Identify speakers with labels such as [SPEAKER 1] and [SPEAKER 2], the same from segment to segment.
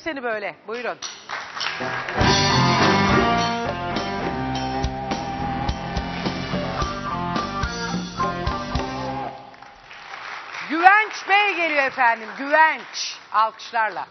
[SPEAKER 1] seni böyle. Buyurun. Güvenç Bey geliyor efendim. Güvenç. Alkışlarla.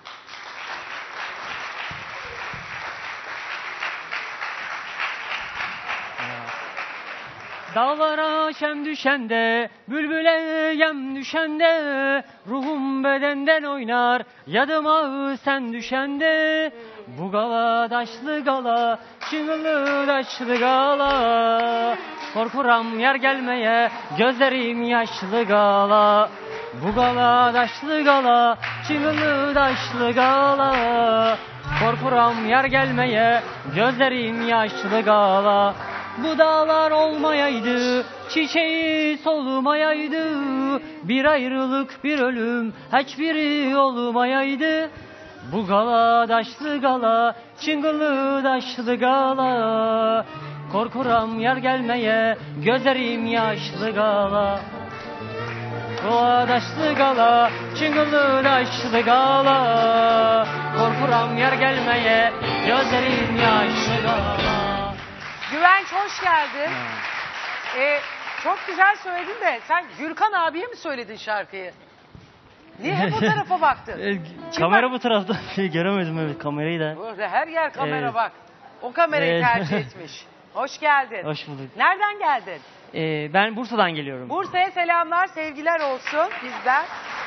[SPEAKER 2] Dağlara şem düşende, bülbüle yem düşende, ruhum bedenden oynar, yadıma sen düşende. Bu gala daşlı gala, çığlı daşlı gala, korkuram yer gelmeye, gözlerim yaşlı gala. Bu gala daşlı gala, çığlı daşlı gala, korkuram yer gelmeye, gözlerim yaşlı gala. Bu dağlar olmayaydı, çiçeği solmayaydı, bir ayrılık bir ölüm hiçbiri olmayaydı. Bu gala daşlı gala, çıngılı daşlı gala, korkuram yer gelmeye, gözlerim yaşlı gala. Gala daşlı gala, çıngılı daşlı gala, korkuram yer gelmeye, gözlerim yaşlı gala.
[SPEAKER 1] Güvenç hoş geldin. Çok güzel söyledin de sen Gürkan abiye mi söyledin şarkıyı? Niye hep o tarafa baktın?
[SPEAKER 2] Kamera bu tarafta. Göremedim evet kamerayı da.
[SPEAKER 1] Burada her yer kamera
[SPEAKER 2] Evet.
[SPEAKER 1] bak. O kamerayı
[SPEAKER 2] Evet.
[SPEAKER 1] tercih etmiş. Hoş geldin.
[SPEAKER 2] Hoş bulduk.
[SPEAKER 1] Nereden geldin?
[SPEAKER 2] Ben Bursa'dan geliyorum.
[SPEAKER 1] Bursa'ya selamlar, sevgiler olsun bizden.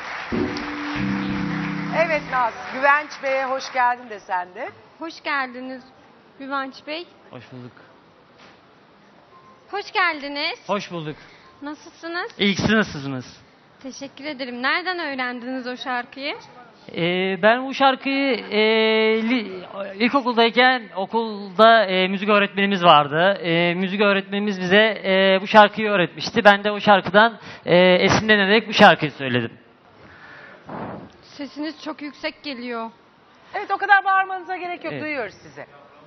[SPEAKER 1] Evet Naz, Güvenç Bey'e hoş geldin de sen de.
[SPEAKER 3] Hoş geldiniz Güvenç Bey.
[SPEAKER 2] Hoş bulduk.
[SPEAKER 3] Hoş geldiniz.
[SPEAKER 2] Hoş bulduk.
[SPEAKER 3] Nasılsınız?
[SPEAKER 2] İyi ki siz nasılsınız?
[SPEAKER 3] Teşekkür ederim. Nereden öğrendiniz o şarkıyı?
[SPEAKER 2] Ben bu şarkıyı ilkokuldayken okulda müzik öğretmenimiz vardı. Müzik öğretmenimiz bize bu şarkıyı öğretmişti. Ben de o şarkıdan esinlenerek bu şarkıyı söyledim.
[SPEAKER 3] Sesiniz çok yüksek geliyor.
[SPEAKER 1] Evet o kadar bağırmanıza gerek yok,
[SPEAKER 2] Evet.
[SPEAKER 1] duyuyoruz sizi.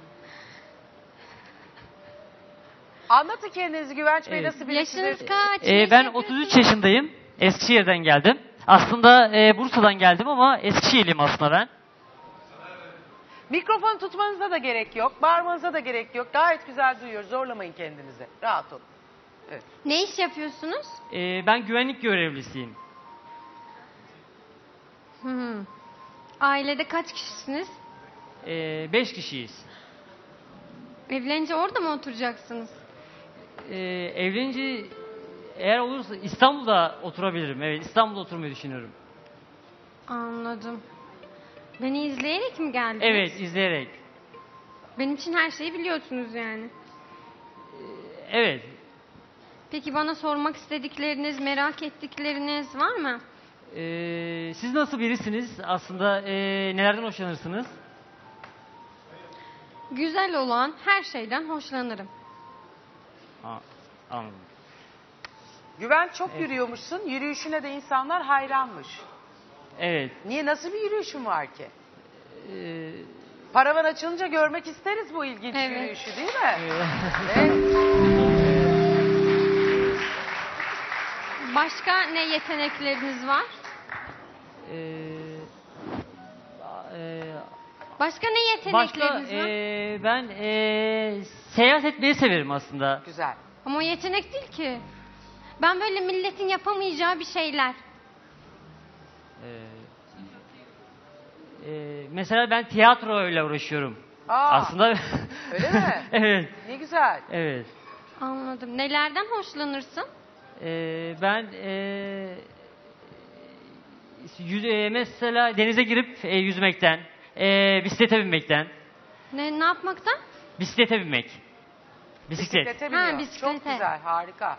[SPEAKER 1] Anlatın kendinizi Güvenç Bey,
[SPEAKER 2] Evet.
[SPEAKER 1] nasıl birisiniz?
[SPEAKER 3] Yaşınız kaç? Ne
[SPEAKER 2] Ben
[SPEAKER 3] iş yapıyorsunuz?
[SPEAKER 2] 33 yaşındayım. Eskişehir'den geldim. Aslında Bursa'dan geldim ama Eskişehirliyim aslında ben.
[SPEAKER 1] Mikrofonu tutmanıza da gerek yok, bağırmanıza da gerek yok. Gayet güzel duyuyoruz, zorlamayın kendinizi. Rahat olun. Evet.
[SPEAKER 3] Ne iş yapıyorsunuz?
[SPEAKER 2] Ben güvenlik görevlisiyim.
[SPEAKER 3] Ailede kaç kişisiniz?
[SPEAKER 2] 5 kişiyiz.
[SPEAKER 3] Evlenince orada mı oturacaksınız?
[SPEAKER 2] Evlenince eğer olursa İstanbul'da oturabilirim. Evet, İstanbul'da oturmayı düşünüyorum.
[SPEAKER 3] Anladım. Beni izleyerek mi geldiniz?
[SPEAKER 2] Evet, izleyerek.
[SPEAKER 3] Benim için her şeyi biliyorsunuz yani.
[SPEAKER 2] Evet.
[SPEAKER 3] Peki bana sormak istedikleriniz, merak ettikleriniz var mı?
[SPEAKER 2] Siz nasıl birisiniz? Aslında nelerden hoşlanırsınız?
[SPEAKER 3] Güzel olan her şeyden hoşlanırım.
[SPEAKER 2] Anladım.
[SPEAKER 1] Güvenç çok yürüyormuşsun, yürüyüşüne de insanlar hayranmış.
[SPEAKER 2] Evet.
[SPEAKER 1] Niye, nasıl bir yürüyüşün var ki?
[SPEAKER 2] Ee,
[SPEAKER 1] Paravan açılınca görmek isteriz bu ilginç
[SPEAKER 3] Evet.
[SPEAKER 1] yürüyüşü, değil mi?
[SPEAKER 2] evet.
[SPEAKER 1] Evet.
[SPEAKER 3] Başka ne yetenekleriniz var? Başka ne
[SPEAKER 2] Başka
[SPEAKER 3] yetenekleriniz var?
[SPEAKER 2] ben seyahat etmeyi severim aslında.
[SPEAKER 1] Güzel.
[SPEAKER 3] Ama o yetenek değil ki. Ben böyle milletin yapamayacağı bir şeyler.
[SPEAKER 2] Mesela ben tiyatroyla uğraşıyorum.
[SPEAKER 1] Aa,
[SPEAKER 2] Aslında
[SPEAKER 1] öyle mi?
[SPEAKER 2] evet.
[SPEAKER 1] Ne güzel.
[SPEAKER 2] Evet.
[SPEAKER 3] Anladım. Nelerden hoşlanırsın?
[SPEAKER 2] Ben mesela denize girip yüzmekten, bisiklete binmekten,
[SPEAKER 3] Ne yapmaktan?
[SPEAKER 2] bisiklete binmek. Bisiklet.
[SPEAKER 1] Bisiklete biniyor.
[SPEAKER 3] Ha, bisiklete.
[SPEAKER 1] Çok güzel, harika.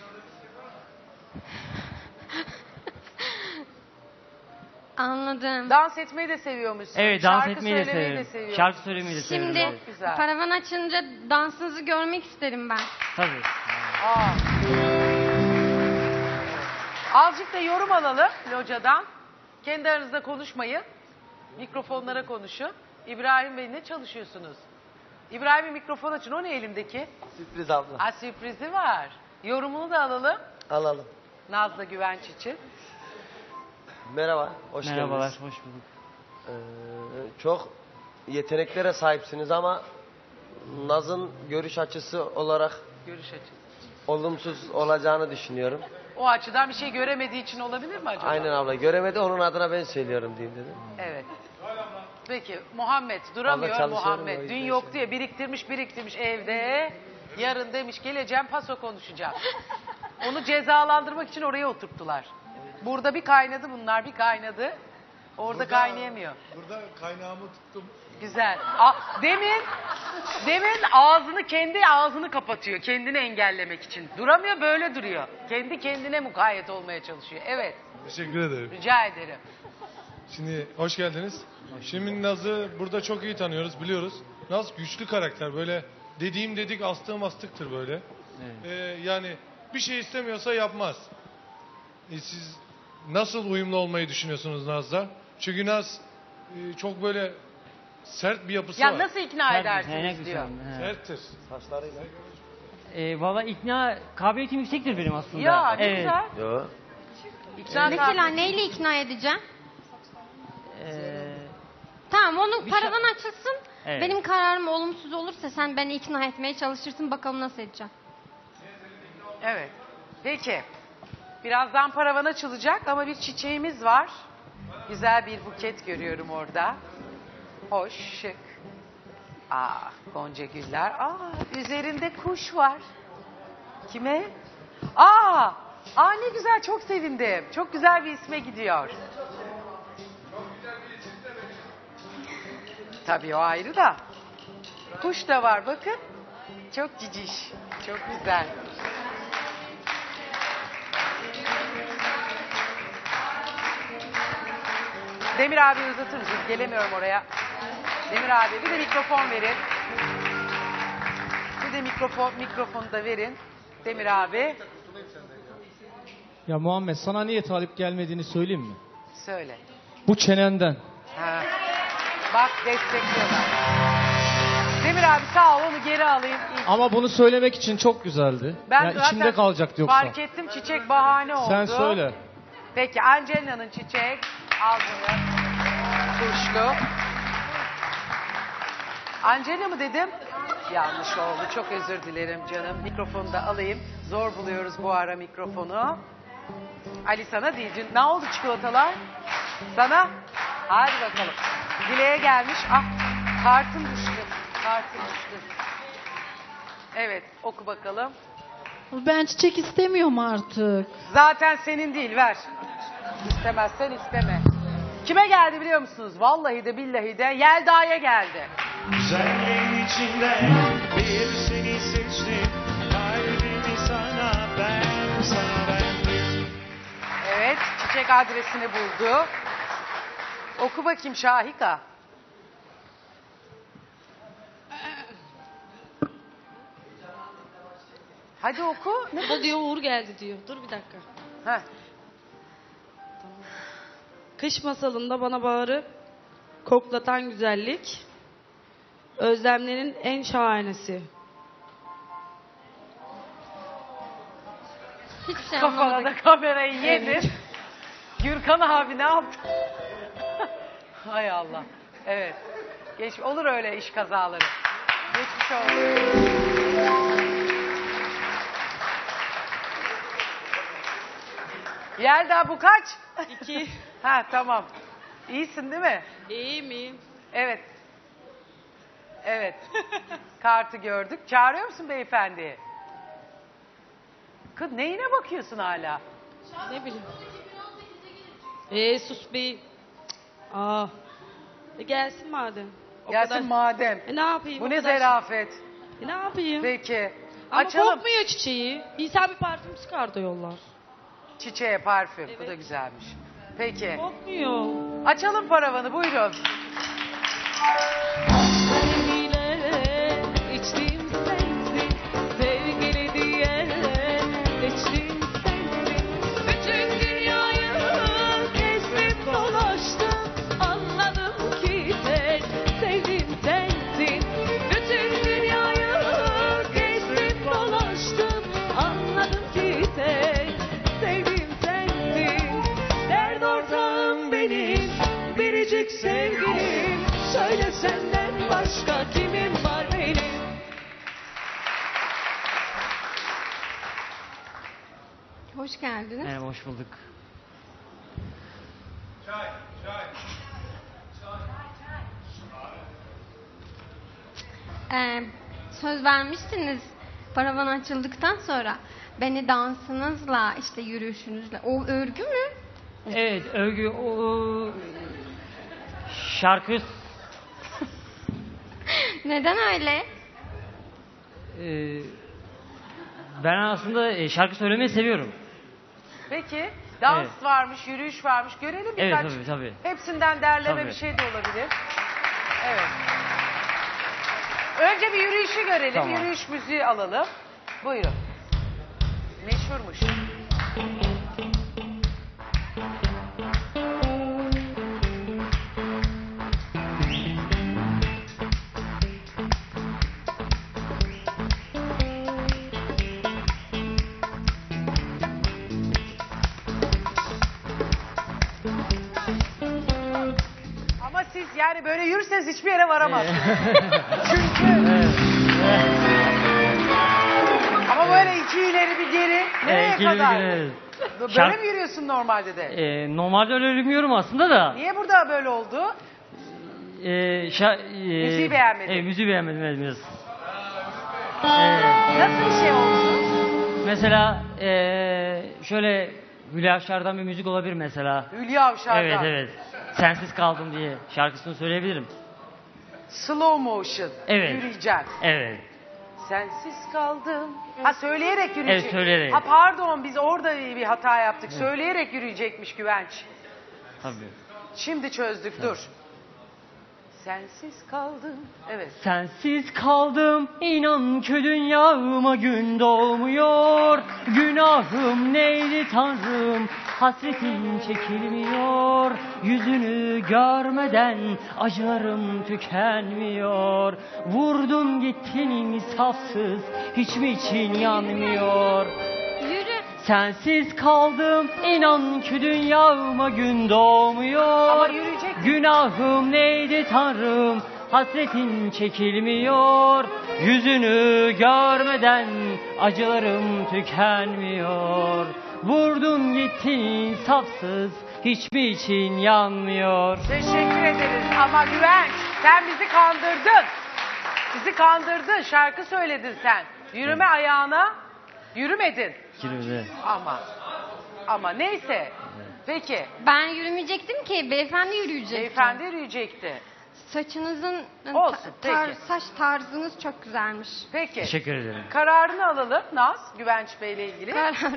[SPEAKER 3] Anladım.
[SPEAKER 1] Dans etmeyi de seviyormuşsun.
[SPEAKER 2] Evet, dans
[SPEAKER 1] Şarkı
[SPEAKER 2] etmeyi de
[SPEAKER 1] söylemeyi
[SPEAKER 2] severim.
[SPEAKER 1] seviyorsun.
[SPEAKER 2] Şarkı söylemeyi de severim.
[SPEAKER 3] Şimdi
[SPEAKER 2] evet.
[SPEAKER 1] Çok güzel.
[SPEAKER 3] paravan açınca dansınızı görmek isterim ben.
[SPEAKER 2] Tabii.
[SPEAKER 1] Aa. Azıcık da yorum alalım locadan. Kendi aranızda konuşmayın. Mikrofonlara konuşun. İbrahim Bey, ne çalışıyorsunuz? İbrahim'in mikrofon açın. O ne elindeki?
[SPEAKER 4] Sürpriz abla.
[SPEAKER 1] Ha, sürprizi var. Yorumunu da alalım.
[SPEAKER 4] Alalım.
[SPEAKER 1] Nazlı Güvenç için.
[SPEAKER 4] Merhaba, hoş
[SPEAKER 2] Merhabalar,
[SPEAKER 4] geldiniz.
[SPEAKER 2] hoş bulduk.
[SPEAKER 4] Çok yeteneklere sahipsiniz ama Naz'ın görüş açısı olarak
[SPEAKER 1] Görüş açısı.
[SPEAKER 4] olumsuz olacağını düşünüyorum.
[SPEAKER 1] O açıdan bir şey göremediği için olabilir mi acaba?
[SPEAKER 4] Aynen abla. Göremedi, onun adına ben söylüyorum diyeyim dedim.
[SPEAKER 1] Evet. Peki Muhammed duramıyor
[SPEAKER 4] Vallahi çalışıyorum, o
[SPEAKER 1] Muhammed.
[SPEAKER 4] yüzden
[SPEAKER 1] Dün yoktu ya biriktirmiş evde. Yarın demiş geleceğim paso konuşacağım. Onu cezalandırmak için oraya oturttular. Burada bir kaynadı bunlar bir kaynadı. Orada kaynayamıyor.
[SPEAKER 5] Burada kaynağımı tuttum.
[SPEAKER 1] Güzel. Demin kendi ağzını kapatıyor kendini engellemek için. Duramıyor böyle duruyor. Kendi kendine mukayyet olmaya çalışıyor. Evet
[SPEAKER 5] Teşekkür ederim.
[SPEAKER 1] rica ederim.
[SPEAKER 5] Şimdi hoş geldiniz. Şimdi Naz'ı burada çok iyi tanıyoruz, biliyoruz. Naz güçlü karakter. Böyle dediğim dedik, astığım astıktır böyle. Yani bir şey istemiyorsa yapmaz. Siz nasıl uyumlu olmayı düşünüyorsunuz Naz'la? Çünkü Naz çok böyle sert bir yapısı
[SPEAKER 1] Ya
[SPEAKER 5] var.
[SPEAKER 1] nasıl ikna edersiniz diyor.
[SPEAKER 5] Serttir.
[SPEAKER 4] Saçlarıyla.
[SPEAKER 2] Valla ikna kabiliyetim yüksektir benim aslında.
[SPEAKER 1] Ya ne
[SPEAKER 2] Evet.
[SPEAKER 1] güzel.
[SPEAKER 4] Yo.
[SPEAKER 1] İkna
[SPEAKER 3] Mesela
[SPEAKER 1] kabiliyeti-
[SPEAKER 3] neyle ikna edeceğim?
[SPEAKER 2] Ee,
[SPEAKER 3] Tamam onu
[SPEAKER 2] Bir
[SPEAKER 3] paravan açılsın.
[SPEAKER 2] Evet.
[SPEAKER 3] Benim kararım olumsuz olursa sen beni ikna etmeye çalışırsın. Bakalım nasıl edeceğim.
[SPEAKER 1] Evet. Peki. Birazdan paravan açılacak ama bir çiçeğimiz var. Güzel bir buket görüyorum orada. Hoş, şık. Gonca güller. Üzerinde kuş var. Kime? Ne güzel çok sevindim. Çok güzel bir isme gidiyor. Tabii o ayrı da. Kuş da var bakın. Çok ciciş. Çok güzel. Demir abi uzatır mısınız? Gelemiyorum oraya. Demir abi bir de mikrofon verin. Bir de mikrofonu da verin. Demir abi
[SPEAKER 6] Ya Muhammed sana niye talip gelmediğini söyleyeyim mi?
[SPEAKER 1] söyle.
[SPEAKER 6] Bu çenenden.
[SPEAKER 1] Ha. Bak destekliyorlar. Demir abi sağ ol onu geri alayım.
[SPEAKER 6] Ama bunu söylemek için çok güzeldi.
[SPEAKER 1] Ben
[SPEAKER 6] ya
[SPEAKER 1] zaten
[SPEAKER 6] içimde kalacaktı yoksa.
[SPEAKER 1] fark ettim çiçek bahane oldu.
[SPEAKER 6] Sen söyle.
[SPEAKER 1] Peki Angelina'nın çiçek aldığını kuşlu. Angelina mı dedim? Yanlış oldu. Çok özür dilerim canım. Mikrofonu da alayım. Zor buluyoruz bu ara mikrofonu. Ali sana değil. Dün ne oldu çikolatalar? Sana? Hadi bakalım. Dileğe gelmiş. Kartım düştü. Kartım düştü. Evet oku bakalım.
[SPEAKER 7] Ben çiçek istemiyorum artık.
[SPEAKER 1] Zaten senin değil ver. İstemezsen isteme. Kime geldi biliyor musunuz? Vallahi de billahi de Yelda'ya geldi.
[SPEAKER 8] Güzelliğin içinde bir seni seçtim. Kalbimi sana verdim.
[SPEAKER 1] Evet çiçek adresini buldu. Oku bakayım Şahika. Hadi oku. Ne?
[SPEAKER 7] O diyor Uğur geldi diyor. Dur bir dakika.
[SPEAKER 1] Heh.
[SPEAKER 7] Kış masalında bana bağırıp koklatan güzellik. Özlemlerin en şahanesi.
[SPEAKER 3] Hiçbir şey
[SPEAKER 1] Kafana
[SPEAKER 3] anlamadık.
[SPEAKER 1] da kamerayı yedin. Gürkan abi ne yaptı? Hay Allah. Evet. Olur öyle iş kazaları. Geçmiş olsun. Yelda bu kaç?
[SPEAKER 7] 2.
[SPEAKER 1] Tamam. İyisin değil mi?
[SPEAKER 7] İyi miyim?
[SPEAKER 1] Evet. Evet. Kartı gördük. Çağırıyor musun beyefendiyi? Kız neyine bakıyorsun hala?
[SPEAKER 7] Ne bileyim. Sus be. Gelsin madem. O
[SPEAKER 1] Gelsin
[SPEAKER 7] kadar.
[SPEAKER 1] madem.
[SPEAKER 7] Ne yapayım?
[SPEAKER 1] Bu
[SPEAKER 7] o
[SPEAKER 1] ne
[SPEAKER 7] kadar-
[SPEAKER 1] zerafet.
[SPEAKER 7] Ne yapayım?
[SPEAKER 1] Peki.
[SPEAKER 7] Ama
[SPEAKER 1] Açalım.
[SPEAKER 7] kokmuyor çiçeği. İnsan bir parfüm sıkar da yollar.
[SPEAKER 1] Çiçeğe parfüm. Bu da
[SPEAKER 7] Evet.
[SPEAKER 1] güzelmiş. Peki.
[SPEAKER 7] Kokmuyor.
[SPEAKER 1] Açalım paravanı buyurun.
[SPEAKER 7] Sevgiyle içtiğim sensin, sevgili diye içtiğim sensin. Bütün dünyayı gezdim dolaştım, anladım ki tek sevdiğim sensin. Bütün dünyayı gezdim dolaştım, anladım ki tek sevdiğim sensin. Dert ortağım benim, biricik sevdiğim. Senden başka kimim var benim?
[SPEAKER 3] Hoş geldiniz.
[SPEAKER 2] Merhaba, hoş bulduk.
[SPEAKER 3] Söz vermiştiniz paravan açıldıktan sonra beni dansınızla işte yürüyüşünüzle. O örgü mü?
[SPEAKER 2] Evet, övgü o şarkı
[SPEAKER 3] Neden öyle?
[SPEAKER 2] ben aslında şarkı söylemeyi seviyorum.
[SPEAKER 1] Peki dans
[SPEAKER 2] Evet.
[SPEAKER 1] varmış, yürüyüş varmış. Görelim
[SPEAKER 2] Evet,
[SPEAKER 1] birkaç.
[SPEAKER 2] tabii.
[SPEAKER 1] Hepsinden derleme
[SPEAKER 2] Tabii.
[SPEAKER 1] bir şey de olabilir. Evet. Önce bir yürüyüşü görelim.
[SPEAKER 2] Tamam.
[SPEAKER 1] Yürüyüş müziği alalım. Buyurun. Meşhurmuş. Ama siz yani böyle yürürseniz hiçbir yere varamazsınız. Çünkü ama böyle iki ileri bir geri nereye
[SPEAKER 2] ikili bir
[SPEAKER 1] kadar?
[SPEAKER 2] geri.
[SPEAKER 1] Böyle
[SPEAKER 2] Şark-
[SPEAKER 1] mi yürüyorsun normalde de?
[SPEAKER 2] Normalde öyle yürümüyorum aslında da.
[SPEAKER 1] Niye burada böyle oldu? Müziği beğenmedin.
[SPEAKER 2] Müziği beğenmedim, evet, biraz.
[SPEAKER 1] Nasıl bir şey oldu?
[SPEAKER 2] Mesela şöyle Hülya Avşar'dan bir müzik olabilir mesela.
[SPEAKER 1] Hülya Avşar'dan.
[SPEAKER 2] Evet, evet. Sensiz kaldım diye şarkısını söyleyebilirim.
[SPEAKER 1] Slow motion.
[SPEAKER 2] Evet.
[SPEAKER 1] Yürüyeceksin.
[SPEAKER 2] Evet.
[SPEAKER 1] Sensiz kaldım. Ha söyleyerek yürüyecek.
[SPEAKER 2] Evet, söyleyerek.
[SPEAKER 1] Ha pardon biz orada bir hata yaptık. Söyleyerek yürüyecekmiş Güvenç.
[SPEAKER 2] Tabii.
[SPEAKER 1] Şimdi çözdük dur. Sensiz kaldım. Evet.
[SPEAKER 2] Sensiz kaldım, inan ki dünyama gün doğmuyor. Günahım neydi Tanrım, hasretin çekilmiyor. Yüzünü görmeden acılarım tükenmiyor. Vurdun gittin insafsız, hiç mi için yanmıyor?
[SPEAKER 3] Yürü.
[SPEAKER 2] Sensiz kaldım, inan ki dünyama gün doğmuyor.
[SPEAKER 1] Ama yürüyecek.
[SPEAKER 2] Günahım neydi Tanrım, hasretin çekilmiyor. Yüzünü görmeden acılarım tükenmiyor. Vurdun gittin insafsız, hiçbir için yanmıyor.
[SPEAKER 1] Teşekkür ederiz ama Güvenç sen bizi kandırdın. Bizi kandırdın. Şarkı söyledin sen. Yürüme ayağına yürümedin.
[SPEAKER 2] Kirli.
[SPEAKER 1] Ama neyse. Peki.
[SPEAKER 3] Ben yürümeyecektim ki. Beyefendi yürüyecekti.
[SPEAKER 1] Beyefendi yürüyecekti.
[SPEAKER 3] Saçınızın
[SPEAKER 1] Olsun, peki.
[SPEAKER 3] saç tarzınız çok güzelmiş.
[SPEAKER 1] Peki.
[SPEAKER 2] Teşekkür ederim.
[SPEAKER 1] Kararını alalım Naz, Güvenç Bey ile ilgili.
[SPEAKER 3] Kararım.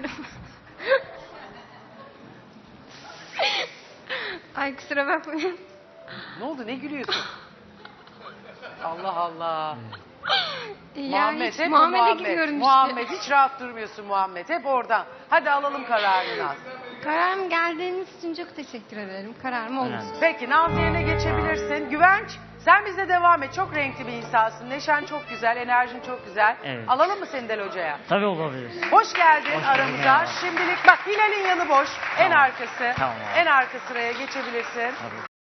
[SPEAKER 3] Ay kusura bakmayın.
[SPEAKER 1] Ne oldu, ne gülüyorsun? Allah Allah.
[SPEAKER 3] Yani
[SPEAKER 1] Muhammed
[SPEAKER 3] hiç
[SPEAKER 1] hep
[SPEAKER 3] Muhammed'e
[SPEAKER 1] Muhammed.
[SPEAKER 3] gidiyorum işte.
[SPEAKER 1] Muhammed hiç rahat durmuyorsun Muhammed. Hep oradan. Hadi alalım kararını Naz.
[SPEAKER 3] Kararım geldiğiniz için çok teşekkür ederim. Kararım oldu.
[SPEAKER 2] Önemli.
[SPEAKER 1] Peki Naz yerine geçebilirsin. Güvenç sen bize devam et. Çok renkli bir insansın. Neşen çok güzel, enerjin çok güzel.
[SPEAKER 2] Evet.
[SPEAKER 1] Alalım mı seni Del Hoca'ya?
[SPEAKER 2] Tabii olabilir.
[SPEAKER 1] Hoş geldin
[SPEAKER 2] Hoş bulduk,
[SPEAKER 1] aramıza.
[SPEAKER 2] merhaba.
[SPEAKER 1] Şimdilik bak Hilal'in yanı boş. En
[SPEAKER 2] Tamam.
[SPEAKER 1] arkası.
[SPEAKER 2] Tamam.
[SPEAKER 1] En arka sıraya geçebilirsin.
[SPEAKER 2] Tabii.